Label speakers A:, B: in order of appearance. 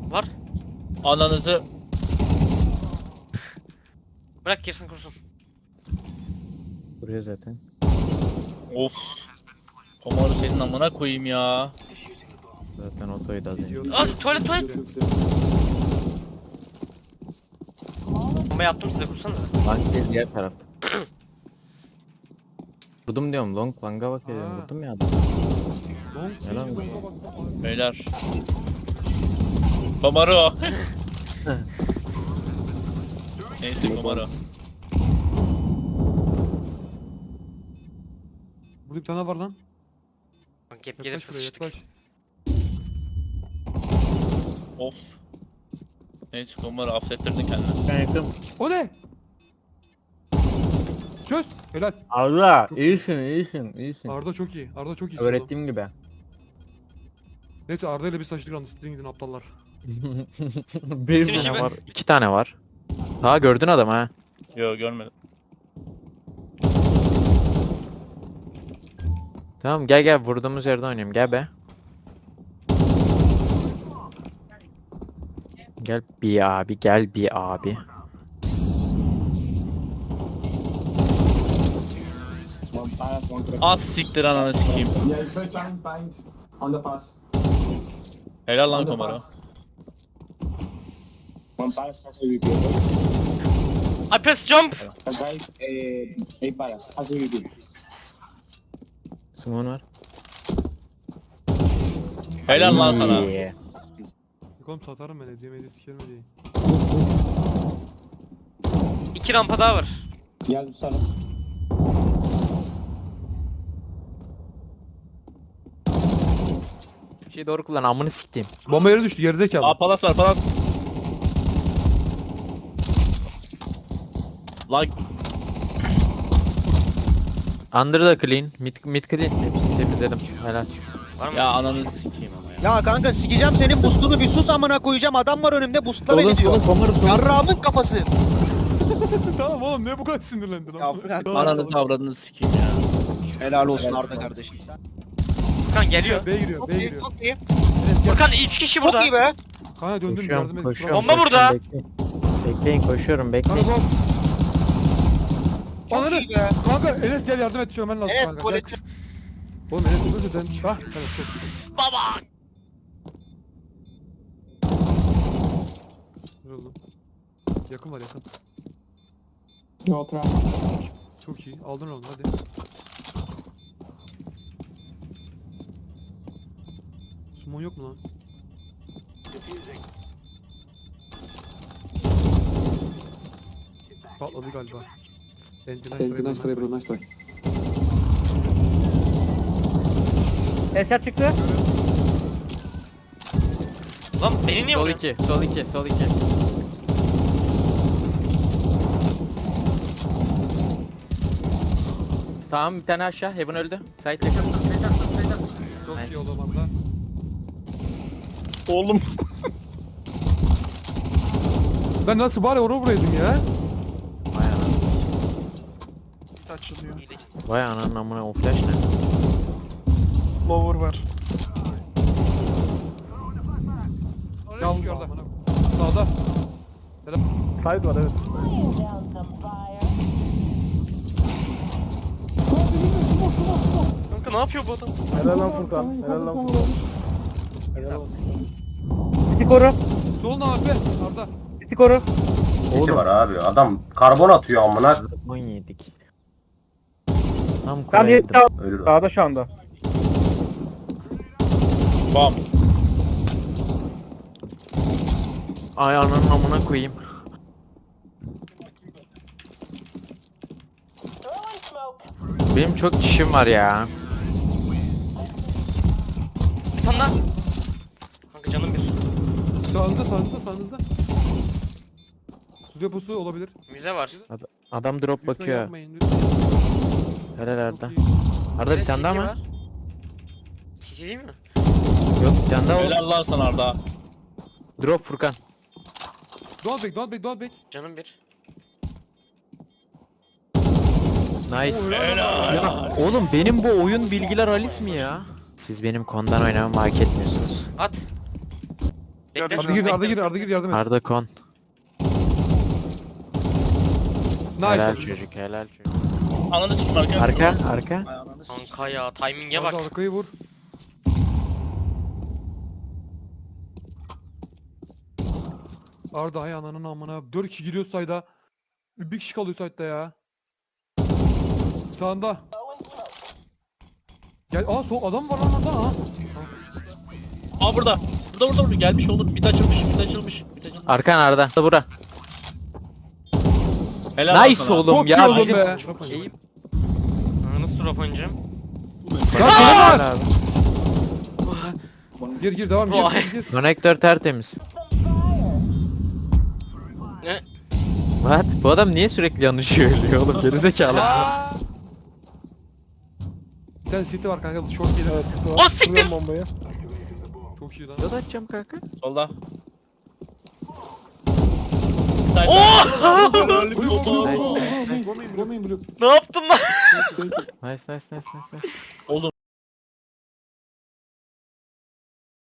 A: Var.
B: Ananızı.
A: Bırak girsin kursun.
C: Buraya zaten.
B: Of. Komoru senin amına koyayım ya.
C: Zaten otoydu az önce.
A: Aa tuvalet. Bomba yaptım size kursanıza.
C: Long değil diğer taraf. Vurdum diyorum long long'a bak dedim
D: Ha.
C: vurdum ya adam. Yalan mı?
B: Beyler. Komoru. Neyse Komoru.
D: Burada bir tane var lan.
A: Bak gap
D: Yaklaş
A: gelirse
D: şuraya
A: sıçtık.
D: yaklaş.
B: Of. Neyse Komoru affettirdin kendini.
C: Ben yakın.
D: O ne? Çöz. Helal.
C: Arda iyisin.
D: Arda çok iyi. Arda çok iyi.
C: Öğrettiğim gibi.
D: Neyse Arda ile bir saçlık andı. Sizin gidin aptallar.
C: Bir
A: İkinci
C: tane
A: ben.
C: var. 2 tane var. Ha gördün adamı ha.
B: Yo görmedim.
C: Tamam gel vurduğumuz yerde oynayayım gel be. Gel bir abi.
E: One pass, one correct.
B: Az siktir ananı sikeyim.
E: Yeah, straight behind. On the pass.
B: Helal
E: On
B: lan
E: the
B: Komoru.
E: pass. One pass, has a VP.
A: I press jump.
E: Guys, 8 pass, has a VP.
C: Simon var.
B: Helal lan sana.
C: İyi.
D: Yok oğlum satarım ben hediye sikerim hediyeyi.
A: 2 rampa daha var.
E: Geldim sana.
C: Bir şey doğru kullan amını siktim.
D: Bomba yere düştü geride kaldı.
B: Aa palas var palas. Like.
C: Under da clean, mid clean. Hepsini temizledim. Helal.
A: Var mı?
B: Ya ananı sikeyim ama ya.
F: Ya kanka sikeceğim senin boostunu bir sus amına koyacağım adam var önümde boostla beni diyor.
C: Komoru
F: Yarrağımın kafası.
D: Tamam oğlum ne bu kadar sinirlendin
F: Ya
D: ama.
F: bırak.
B: Ananı avradını sikeyim ya.
F: Helal olsun Arda kardeşim.
A: Furkan geliyor.
D: B'ye giriyor,
F: Çok
D: B'ye
F: iyi
D: giriyor.
F: çok iyi.
D: Enes gel.
A: Furkan 3 kişi
F: Çok
A: burada.
F: iyi be.
D: Kanka döndüm yardım edin.
C: Koşuyorum.
A: Bomba burada.
C: Bekleyin koşuyorum
D: Kanka
C: bekleyin.
D: sol.
F: Çok
D: Ananı.
F: iyi be.
D: Kanka Enes gel yardım et çömen lazım
F: Evet
D: kanka.
F: tuvalet.
D: Gel. Oğlum Enes öldü zaten. Ah evet çok iyi.
A: Baba.
D: Ne oldu? Yakın var yakın.
E: No trap.
D: Çok iyi. Aldın onu hadi. Summon yok mu lan? Patladı galiba.
E: Nice try bro, nice try.
F: Eser çıktı.
A: Lan beni niye
C: Sol
A: vuruyorsun?
C: 2, sol 2. Tamam bir tane aşağı. Heaven öldü. Side yakın.
D: Çok
C: Nice.
D: iyi o zaman da.
B: Oğlum.
D: Ben nasıl bari onu vuraydım ya?
C: Vay anam.
F: Açılıyor.
A: İyileşsin.
C: Vay ananın amına o flash ne?
F: Lower var.
D: Oraya çıkıyor orada. Sağda.
F: Side var evet.
A: Kanka ne yapıyor bu adam?
F: Helal lan Furkan. Helal lan Furkan. Helal olsun. Biti koru.
D: Sol ne abi? Arda.
F: Biti koru.
G: City var abi. Adam karbon atıyor amına.
C: 17. Tam
F: Tam
C: kuraydım.
F: yetti
G: Ölür o.
F: sağda şu anda.
B: Bam.
C: Ay ananın amına koyayım. Benim çok işim var ya.
A: Bir tane daha. Kanka canım bir.
D: Sağınızda. Su deposu olabilir.
A: Müze var.
C: Adam drop
D: Lütfen
C: bakıyor.
D: yapmayın, lütfen.
C: Helal Arda.
D: Çok iyi.
C: Arda bir tane daha mı?
A: City değil mi?
C: Yok bir tane daha var.
B: Helal lan sana Arda.
C: Drop Furkan.
D: Don't back.
A: Canım bir.
C: Nice.
B: Helal.
C: Ya oğlum benim bu oyun bilgiler halis mi ya? Siz benim kondan oynamamı hak etmiyorsunuz.
A: At. Bekle.
D: Arda gir yardım et.
C: Arda kon.
D: Nice.
C: Helal
D: oğlum.
C: çocuk helal çocuk.
B: Ananı sikim arka.
C: Arka arka.
B: Ay, ananı sikim.
A: Kanka ya timing'e bak.
D: Arda arkayı vur. Arda hay ananın amına. 4 kişi giriyor sayda. Bir kişi kalıyor sayda ya. Sağında. Gel sol adam var lan orada ha.
B: Aa burada. Burada. Gelmiş oğlum. Mid açılmış.
C: Arkan Arda. Bura.
B: Helal
C: Nice
B: sana.
C: oğlum
D: Çok
C: ya
D: iyi oğlum
C: bizim.
D: be.
C: İyi.
A: Nasıl drop oynayacağım?
C: Helal abi.
D: Gir devam gir.
C: Konektör tertemiz.
A: Ne?
C: What? Bu adam niye sürekli yanlış ölüyor oğlum gerizekalı.
D: Bir tane city var kanka short gelir.
F: Evet.
A: O siktir!
F: Kuruyorum bombayı.
D: Çok iyi lan.
C: Yol açacağım kanka.
B: Solda.
A: Oh!
C: Nice nice nice.
E: Go main blue.
A: Ne yaptım lan?
C: Nice.
B: Oğlum